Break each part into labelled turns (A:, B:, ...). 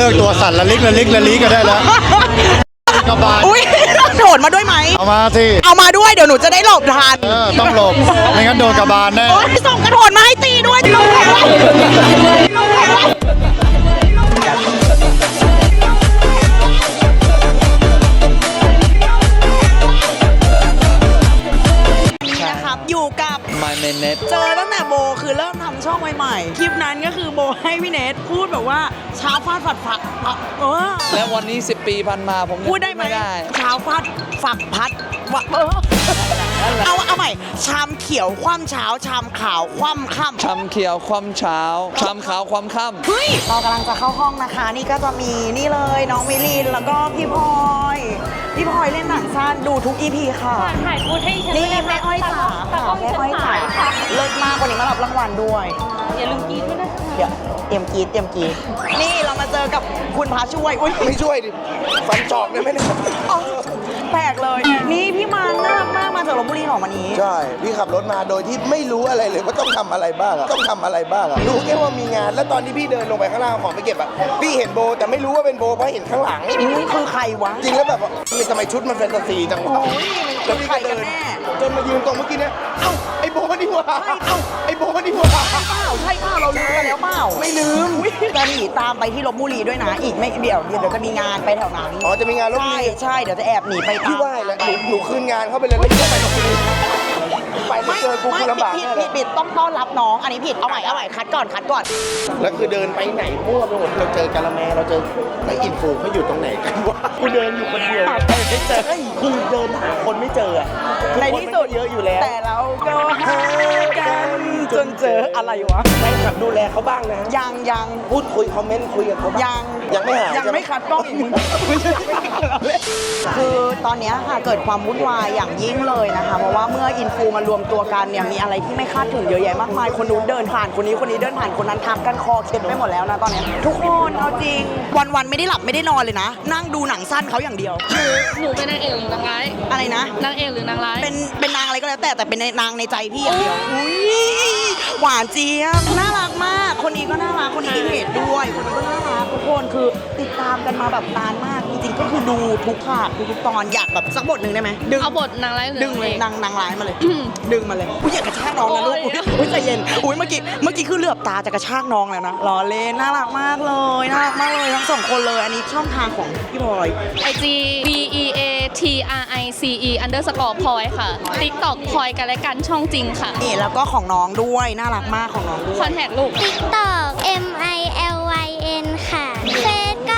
A: ลิกตัวสั่นละลิกกันได้แล้วกระบาด
B: อุ้ยโดดมาด้วยไหม
A: เอามาสิ
B: เอามาด้วยเดี๋ยวหนูจะได้หลบทัน
A: ต้องหลบไม่งั้นโดนกระบาลแน่
B: โอ้ยส่งกระโดดมาให้ตีด้วยนะครับอยู่กับ
C: My Main Net
B: เจอตั้งแต่โบคือเริ่มทำช่องใหม่ๆคลิปนั้นก็คือโบให้พี่เนทพูดแบบว่าเช้าฟาดฝัก
C: แล้ววันนี้10 ปีผ่านมาผมยัง
B: พูดได้ไหม
C: ได้
B: เช้าฟาดฝักพัดเอาใหม่ชามเขียวคว่ำเช้าชามขาวคว่ำค่ำ
C: ชำเขียวความเช้าชำขาวความค่ำ
B: เฮ้ยเรากำลังจะเข้าห้องนะคะ นี่ก็จะมีนี่เลยน้องมิลินแล้วก็พี่พลอยเล่นหนังสั้นดูทุก EP ค่ะ
D: ถ่ายพูดให้ฉัน
B: นี่แม่อ้อยจ๋าค่ะแม่อ้อยจ๋าเลิศมากวันนี้มารับรางวัลด้วย
D: อย่าลืมกินด้วยนะ
B: เดี๋ยวเตรียมกรีดนี่เรามาเจอกับคุณพาช่วยอุ้ย
E: ไม่ช่วยดิ ฟันจอกได้ไหมเนี่ย
B: อ๋อแปลกเลย นี่พี่มันน่ารักมากมาจากลพบุรีหรอวันนี้
E: ใช่ พี่ขับรถมาโดยที่ไม่รู้อะไรเลยว่าต้องทำอะไรบ้างอะรู้แค่ว่ามีงาน แล้วตอนที่พี่เดินลงไปข้างล่างเอาของไปเก็บอะพี่เห็นโบแต่ไม่รู้ว่าเป็นโบเพราะเห็นข้างหลัง
B: นี่คือใครวะ
E: จริงแล้วแบบว่าทำไมชุดมันแฟนตาซีจังวะ
B: โอ้ย
E: แล้วพี่ก็เดิน
B: ใครกันแน่
E: จนมายืนตรงเมื่อกี้เนี่ยเอ้าไอ้โบนี่หว่าไอ้โบนี่หว่า
B: ใช่เปล่าเราลืมกันแล้วเปล่า
E: ไม่ลืม
B: จะหนีตามไปที่ลพบุรีด้วยนะ อีกไม่เดี๋ยวจะมีงานไปแถวนั้น
E: อ๋อจะมีงานรถ
B: ใช่
E: พี่
B: ใช่เดี๋ยวจะแอบหนีไป
E: พี่ว่าแล้วหนูคืนงานเข้าไปเลยแล้วพี่ก็ไปลงไปแล้วเจอกูคือลำบาก
B: ผิด
E: แน่เลย
B: ผิดต้องต้อนรับน้องอันนี้ผิดเอาใหม่คัดก่อน
E: แล้วคือเดินไปไหนมั่วไปหมดเราเจอกาละแมเราเจอไอ้อินฟูเขาอยู่ตรงไหนกันวะกูเดินอยู่คนเดียวไม่เจอคือเดินหาคนไม่เจออะ
B: ในที่สุด
E: เยอะอยู่แล้ว
B: แต่เราก็หากันจนเจออะไรวะ
E: แฟนคลับดูแลเขาบ้างนะ
B: ยัง
E: พูดคุยคอมเมนต์คุยกับเขาบ้าง ยังไม่หาย
B: ยังไม่คัดกล้องอีกคือตอนเนี้ยค่ะเกิดความวุ่นวายอย่างยิ่งเลยนะคะเพราะว่าเมื่ออินฟูมารวมตัวกันเนี่ยมีอะไรที่ไม่คาดถึงเยอะแยะมากมายคนนู้นเดินผ่านคนนี้เดินผ่านคนนั้นทักกันคอเคล็ดไปหมดแล้วนะตอนเนี้ยทุกคนเอาจริงวันไม่ได้หลับไม่ได้นอนเลยนะ นั่งดูหนังสั้นเขาอย่างเดียว
D: หนูเป็นนางเอกหรือนางร้าย
B: อะไรนะ
D: นางเอกหรือนางร้าย
B: เป็นนางอะไรก็แล้วแต่เป็นนางในใจพี่อย่างเดียวอุ้ยหวานเจี๊ยบน่ารักมาก คนนี้ก็น่ารักคนนี้อินเทจด้วยคนนี้ก็น่ารักทุกคนคือติดตามกันมาแบบนานมากจริงๆก็คือดูทุกภาคทุกตอนอยากแบบสักบทหนึ่งได้ไหมดึง
D: เอาบทนางร้ายหรือ
B: ดึงเลย
D: นางเอก
B: นางร้ายมาเลย ดึงมาเลยอุ้ยอยากกระชากน้องนะลูก
D: โอ้ย
B: อุ้ยใจเย็นอุ้ยเมื่อกี้คือเหลือบตาจะกระชากน้องแล้วนะล้อเล่นน่ารักมากเลยทั้งสองคนเลยอันนี้ช่องทางของพี่บอย
D: IG BEATRICE_ พลอยค่ะ TikTok พลอยกันและกันช่องจริงค่ะ
B: นี่แล้วก็ของน้องด้วยน่ารักมากของน้องด้วย
D: คอนแทคลูก
F: TikTok MILYN ค่ะเฟซก็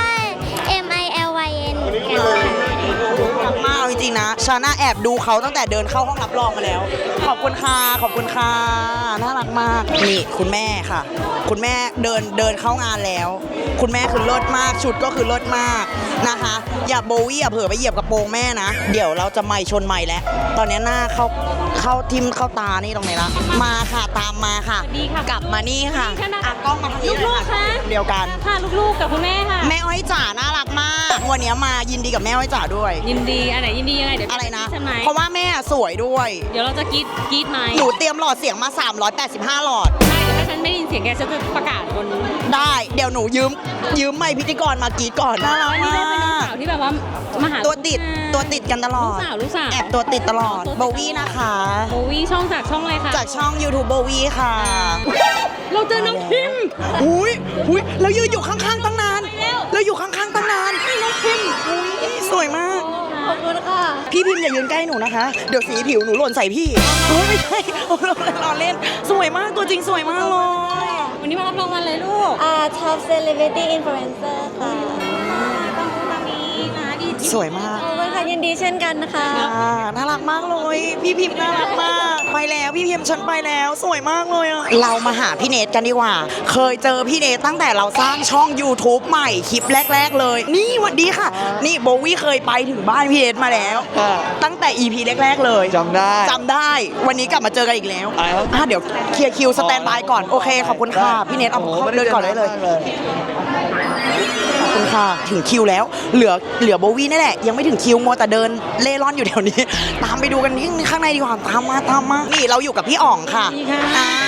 F: MILYN กันค่ะ
B: รักมากเอาจริงๆนะชาน่าแอบดูเขาตั้งแต่เดินเข้าห้องรับรองมาแล้ว ขอบคุณค่ะน่ารักมากนี่คุณแม่ค่ะ คุณแม่เดินเข้างานแล้ว คุณแม่คือเลิศมากชุดก็คือเลิศมากนะคะอย่าโบวี่อย่าเผลอไปเหยียบกระโปรงแม่นะเดี๋ยวเราจะไม่ชนไม่แล้วตอนนี้หน้าเข้าทิมเข้าตานี่ตรงไหนละมาค่ะตามมาค่ะ
D: ดีค่ะ
B: กลับมานี่ค่ะ
D: นี่ค่ะ
B: อ่ะกล้องมาทางนี้เลย
D: ลูกๆคะ
B: เดียวกัน
D: ค่ะลูกๆกับคุณแม่ค่ะ
B: แม่อ้อยจ๋าน่ารักมากวันนี้มายินดีกับแม่อ้อยจ๋าด้วย
D: ยินดีอันไหนยินดียังไงเดี๋ยว
B: อะไรนะ
D: ใช่ไหม
B: เพราะว่าแม่สวยด้วย
D: เดี๋ยวเราจะกรีดไหม
B: หนูเตรียมหลอดเสียงมา385หลอด
D: ได้แต่ถ้าฉันไม่ได้ยินเสียงแกฉันจะประกาศบน
B: ได้เดี๋ยวหนูยืมไมค์พิธีกรมากรีดก่อนน่ารัก
D: อันนี้
B: มา
D: ได้เป็นลูก
B: ก
D: สาวที่แบบว่ามาหา
B: ตัวติดกันตลอด
D: ลูกสาว
B: แอบตัวติดตลอดโบวี่นะคะ
D: โบวี่ช่องจากช่องอะไรคะ
B: จากช่อง YouTube โบวี่ค่ะ
D: เราเจอน้องพิมพ์
B: อุ้ยเรายืนอยู่ข้างๆตั้งนานเราอยู่ข้างๆตั้งนานน้องพิมอุ้ยสวยมาก
D: ขอบคุณค่ะ
B: พี่พิมพ์อย่ายืนใกล้หนูนะคะ เดี๋ยวสีผิวหนูหล่นใส่พี่เฮ้ยไม่ใช่เราเล่นสวยมากตัวจริงสวยมากเลย
D: วันนี้มารับรางวัลเลยลูก
F: Top Celebrity Influencer ค่ะ
D: ตอนนี้นะดี
B: สวยมาก
F: ขอบคุณค่ะยินดีเช่นกันนะคะ
B: น่ารักมากเลยพี่พิมพ์น่ารักมากไปแล้วพี่พิมพ์ฉันไปแล้วสวยมากเลยอะเรามาหาพี่เนทกันดีกว่า เคยเจอพี่เนทตั้งแต่เราสร้างช่อง YouTube ใหม่คลิปแรก ๆเลย นี่หวัดดีค่ะ นี่โบวี่เคยไปถึงบ้านพี่เนทมาแล้ว ตั้งแต่ EP แรกๆเลย
C: จำได้
B: จำได้วันนี้กลับมาเจอกันอีกแล้ว
C: อะไรครับ
B: เดี๋ยวเคลียร์คิวสแตนบายก่อนโอเคขอบคุณค่ะพี่เนทเอา
C: โอ้โห
B: เดินก่อนได้เลย
C: มากเลย
B: ขอบคุณค่ะถึงคิวแล้วเหลือโบวี่นี่แหละยังไม่ถึงคิวมัวแต่เดินเล่ร่อนอยู่แถวนี้ ตามไปดูกันที่ข้างในดีกว่าตามมานี่เราอยู่กับพี่อ๋องค่ะ
D: ดีค่ะ
B: อ่า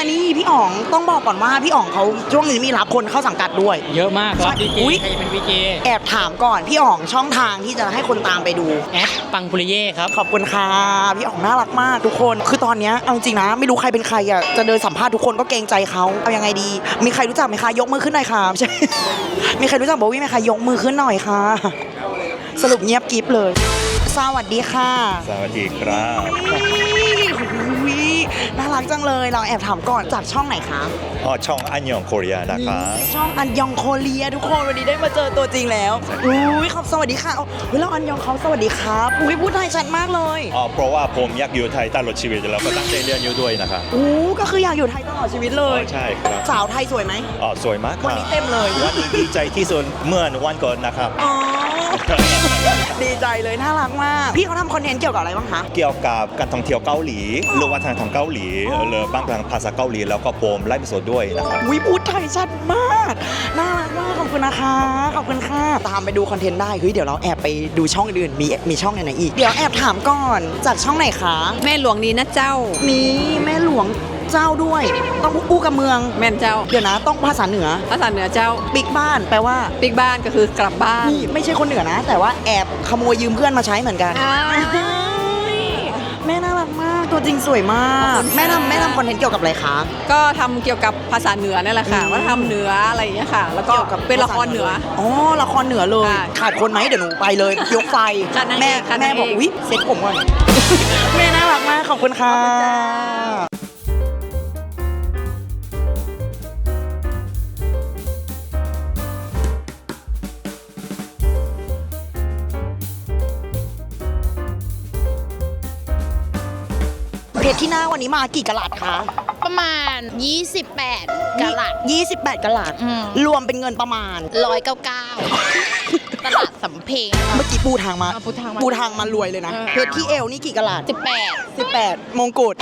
B: นี่พี่อ๋องต้องบอกก่อนว่าพี่อ๋องเขาช่วงนี้มีรับคนเข้าสังกัดด้วย
G: เยอะมากครับดีเจ
B: อุ๊ย
G: ใครจะเป็นวีเจ
B: แอบถามก่อนพี่อ๋องช่องทางที่จะให้คนตามไปดู
G: แอดปังปุริเย่ครับ
B: ขอบคุณค่ะพี่อ๋องน่ารักมากทุกคนคือตอนเนี้ยเอาจริงนะไม่รู้ใครเป็นใครอ่ะจะเดินสัมภาษณ์ทุกคนก็เกรงใจเขาเอายังไงดี มีใครรู้จักไหมคะยกมือขึ้นหน่อยค่ะไม่ใช่ มีใครรู้จักโบวี่ไหมคะยกมือขึ้นหน่อยค่ะ สรุปเงียบกริฟเลย สวัสดีค่ะ
A: สวัสดีครับ
B: อุ๊ยน่ารักจังเลยเราแอบถามก่อนจากช่องไหนคะ
A: ช่องอันยองโคเรียนะครับ
B: ช่องอันยองโคเรียทุกคนวันนี้ได้มาเจอตัวจริงแล้วอุ้ยขอบสวัสดีค่ะเฮ้ยเราอันยองเขาสวัสดีครับอุ้ยพูดไทยชัดมากเลย
A: เพราะว่าผมอยากอยู่ไทยตลอดชีวิตแล้วก็ตั้งใจเรียนอยู่ด้วยนะครับ
B: อู้ก็คืออยากอยู่ไทยตลอดชีวิตเลย
A: ใช่ครับ
B: สาวไทยสวยไหม
A: สวยมากค
B: วัน
A: รับ
B: นี้เต็มเลย
A: วันนี้ดีใจที่สุดเมื่อวันก่อนนะครับ
B: อ๋อ ดีใจเลยน่ารักมาก พี่เขาทำคอนเทนต์เกี่ยวกับอะไรบ้างคะ
A: เกี่ยวกับการท่องเที่ยวเกาหลี หรือวัฒนธรรมเกาหลีหรือบางครั้งภาษาเกาหลีแล้วก็ผมไลฟ์สดด้วยนะครับ
B: วิพูดไทยชัดมาก น่ารักมากขอบคุณนะคะขอบคุณค่ะตามไปดูคอนเทนต์ได้เฮ้ยเดี๋ยวเราแอบไปดูช่องอื่นมีช่องไหนอีกเดี๋ยวแอบถามก่อนจากช่องไหนคะ
H: แม่หลวงนี้นะเจ้า
B: นี่แม่หลวงเจ้าด้วย ต้องอู้กับเมือง
H: แม่นเจ้า
B: เดี๋ยวนะต้องภาษาเหนือ
H: ภาษาเหนือเจ้า
B: ปิ๊กบ้านแปลว่า
H: ปิกบ้านก็คือกลับบ้าน
B: นี่ไม่ใช่คนเหนือนะ แต่ว่าแอบขโมยยืมเพื่อนมาใช้เหมือนกัน
H: อ้าว
B: แม่น่ารักมากตัวจริงสวยมากแม่ทำคอนเทนต์เกี่ยวกับอะไรคะ
H: ก็ทำเกี่ยวกับภาษาเหนือนั่นแหละค่ะว่าทำเหนืออะไรอย่างเงี้ยค่ะ แล้วก็เป็นละครเหนือ
B: อ๋อละครเหนือเลย
H: ค่ะ
B: ขาดคนไหมเดี๋ยวหนูไปเลย ยกไฟ
H: ขาดนางเอก
B: แม่
H: ขาด
B: แม่
H: นางเอก
B: บอกอุ๊ยเซ็ตผมก่อน แม่น่ารักมากขอบคุณค่ะเพชรที่หน้าวันนี้มากี่กะลัดคะ
D: ประมาณ 28กะลัด
B: 28กะลัด
D: อืม
B: รวมเป็นเงินประมาณ
D: 199ตลาดสำเพ็ง
B: เมื่อกี้ปูทางมา
D: ปูทางมา
B: ปูทางมารวยเลยนะ เพชรที่เอวนี่กี่กะลัด 18 มงกุฎ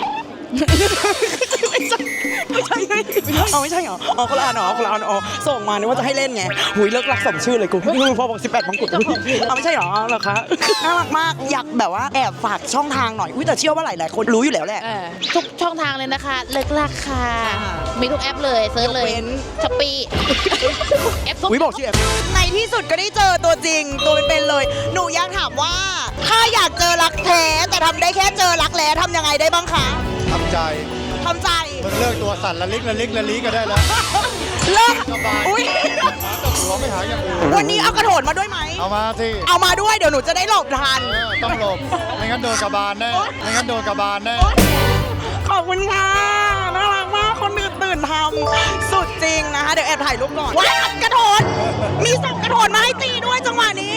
B: ไม่ใช่ไงไม่ใช่เหรอคนละอันเหรอคนละอันอ๋อส่งมานึกว่าจะให้เล่นไงหุยเลิกรักสมชื่อเลยกูพอบอก18 มงกุฎไม่ใช่เหรอเหรอคะน่ารักมากอยากแบบว่าแอบฝากช่องทางหน่อยแต่เชื่อว่าหลายๆคนรู้อยู่แล้วแหละ
D: ทุกช่องทางเลยนะคะ เลิกราคา มีทุกแอปเลยเซิร์ชเลย
B: ยกเว้น
D: ช้อปปี้แอปทุก
B: วิบอกชื่อแอปในที่สุดก็ได้เจอตัวจริงตัวเป็นๆเลย หนูอยากถามว่า ถ้าอยากเจอรักแท้แต่ทำได้แค่เจอรักแร้ทำยังไงได้บ้างคะ
A: ทำใจ
B: ทำใจ
A: มึงเลิกตัวสั่นละลิกละลิกละลิกก็ได้แล้ว
B: เลิก
A: สบาย
B: อุ้ย
A: หัวไม่หายอย่างอื่น
B: วันนี้เอากระโถนมาด้วยไหม
A: เอามาสิ
B: เอามาด้วยเดี๋ยวหนูจะได้หลบทัน
A: ต้องหลบไม่งั้นโดนกระบาลแน่ไม่งั้นโดนกระบาลแน่
B: ขอบคุณค่ะน่ารักมากคนตื่นทำสุดจริงนะคะเดี๋ยวแอบถ่ายรูปก่อนว้ายกระโถนมีส่งกระโถนมาให้ตีด้วยจังหวะนี้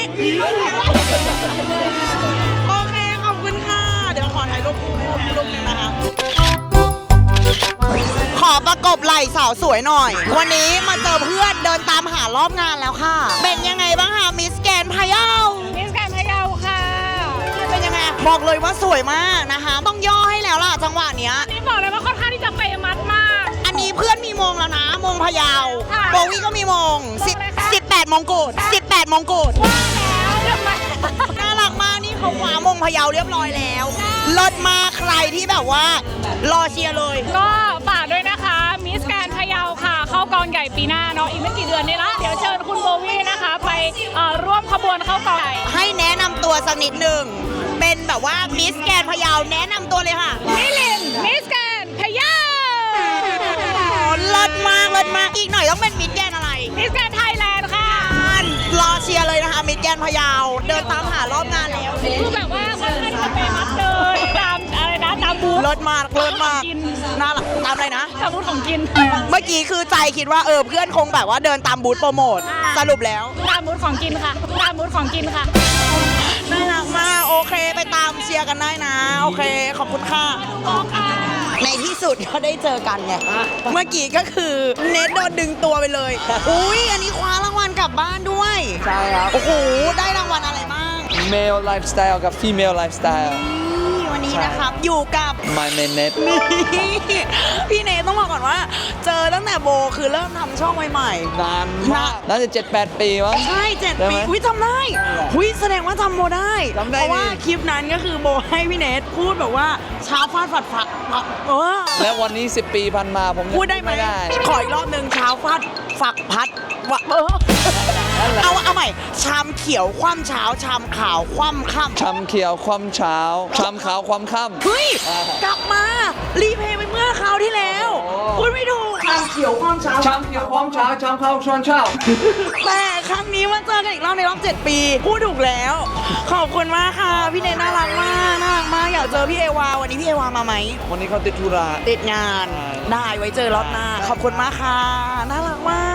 B: โอเคขอบคุณค่ะเดี๋ยวขอถ่ายรูปรูปนึงนะคะขอประกบไหล่สาวสวยหน่อย วันนี้มาเจอเพื่อนเดินตามหารอบงานแล้วค่ะ เป็นยังไงบ้างคะมิสแกรนด์พะเยา
D: มิสแกรนด์พะเยาค่ะ
B: เป็นยังไงบอกเลยว่าสวยมากนะคะต้องย่อให้แล้วล่ะจังหวะเนี้ย
D: นี่บอกเลยว่าค่อนข้างที่จะเปย์มัดมาก
B: อันนี้เพื่อนมีมงแล้วนะมงพะเยา
D: ค่ะ
B: โบวี่ก็มีมง
D: มงอะไรคะ
B: 18 มงกุฎ18 มงกุฎ
D: แล้วทำไม
B: น่ารักมากนี่เขาคว้ามงพะเยาเรียบร้อยแล้วเลิศมากใครที่แบบว่ารอเชียร์เลย
I: ก็ฝากด้วยนะคะ มิสแกรนด์พะเยาค่ะ เข้ากองใหญ่ปีหน้าเนาะอีกไม่กี่เดือนนี้ละเดี๋ยวเชิญคุณโบวี่นะคะ ไปร่วมขบวนเข้ากองใหญ่
B: ให้แนะนำตัวสักนิดหนึ่งเป็นแบบว่ามิสแกรนด์พะเยาแนะนำตัวเลยค่ะ
I: มิลินมิสแกรนด์พะเยา
B: เลิศมากเลิศมากอีกหน่อยต้องเป็นมิสแกรนด์อะไร
I: มิสแกรนด์ไทยแลนด์ค่ะ
B: รอเชียร์เลยนะคะมิสแกรนด์พะเยาเดินตามหารอบงานแล้ว
I: คือแบบว่าค่อนข้างจะเปย์มัดเลยตามอะไรนะตามบูธ
B: เลิศมากเลิศมาก
I: กิน
B: น่ารักตามอะไรนะ
I: ตามบูธของกิน
B: เมื่อกี้คือใจคิดว่าเพื่อนคงแบบว่าเดินตามบูธโปรโมทสรุปแล้ว
I: ตามบูธของกินค่ะตามบูธของกินค่ะ
B: น่ารักมากโอเคไปตามเชียร์กันได้นะ โอเค ขอบคุณค่ะ ในที่สุดก็ได้เจอกันไงเมื่อกี้ก็คือเน็ตโดนดึงตัวไปเลย อุ้ยอันนี้คว้ารางวัลกลับบ้านด้วย
C: ใช่ครับ
B: โอ้โห ได้รางวัลอะไรบ้าง
C: male lifestyle กับ female lifestyle
B: นี่วันนี้นะครับ อยู่กับ
C: my main net
B: นี่พี่เนทต้องบอกก่อนว่า เจอตั้งแต่โบโบคือเริ่มทำช่องใหม่
C: นานมากน่าจะ7-8 ปีมั้ง
B: ๆใช่7
C: ได้
B: ปี
C: ไหม
B: อุ้ยจำได้อุ้ยแสดงว่าจำโบได้
C: จำได้
B: เพราะว่า
C: ดิ
B: คลิปนั้นก็คือโบให้พี่เนทพูดแบบว่าเช้าฟาดฝัดฝักเออ
C: แล้ววันนี้ 10 ปีผ่านมาผมยัง
B: พูดได้ไหม
C: ได้
B: ขออีกรอบหนึ่งเช้าฟาดฝักพัดวะเอาใหม่ชามเขียวคว่ำเช้าชามขาวคว่ำค่ำ
C: ชำเขียวความเช้าชำขาวความค่ำ
B: เฮ้ยกลับมารีเพลย์ไปเมื่อคราวที่แล้วพูดไม่ถูกชามเขียวคว่ำเช้า
C: ชำเขียวความเช้าชำขาวช้อนเช้า
B: แต่ครั้งนี้มาเจอกันอีกรอบในรอบ7 ปีพูดถูกแล้ว ขอบคุณมากค่ะพี่เนทน่ารักมากน่ารักมากอยากเจอพี่เอวาวันนี้พี่เอวามาไหม
C: วันนี้เขาติดธุระ
B: ติดงานได้ไว้เจอรอบหน้า ขอบคุณมากค่ะน่ารักมา